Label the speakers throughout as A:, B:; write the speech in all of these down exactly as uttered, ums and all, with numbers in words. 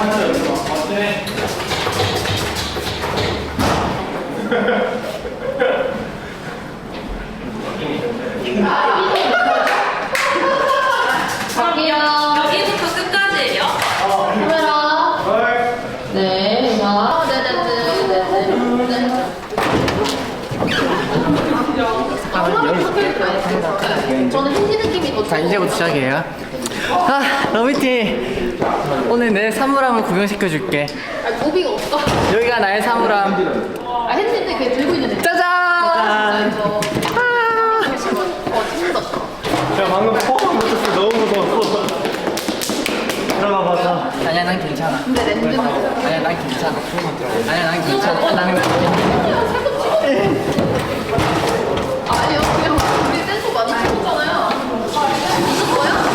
A: 여기부터 끝까지예요?
B: 카메라. 네. 자, 네네네네네. 저는 힌디 느낌이 더.
C: 자, 이제부터 시작이에요. 아, 러비티. 오늘 내 사물함을 구경시켜줄게.
B: 아, 무비가 없어.
C: 여기가 나의 사물함.
B: 아, 핸디인데 그게 들고 있는 애.
C: 짜잔!
B: 아, 이거. 아, 어, 힘들었어.
D: 야 방금 포함 못했어. 너무 무서웠어. 들어가 봐서.
C: 아니야, 난 괜찮아.
B: 근데 렌즈는.
C: 아니야, 난 괜찮아. 아니야, 난 괜찮아. 나는
B: 아니요, 그냥 우리 댄서 많이 찍었잖아요. 있었어요?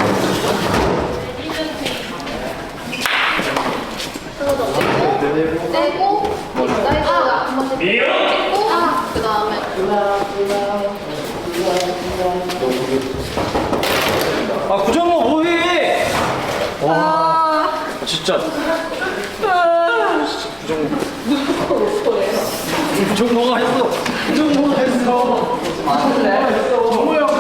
B: 떼고, 떼고, 사이즈가 한 번씩 찍고, 그 다음에.
D: 아 구정모 뭐해? 와 진짜. 구정모가 했어. 구정모가 했어. 정모야.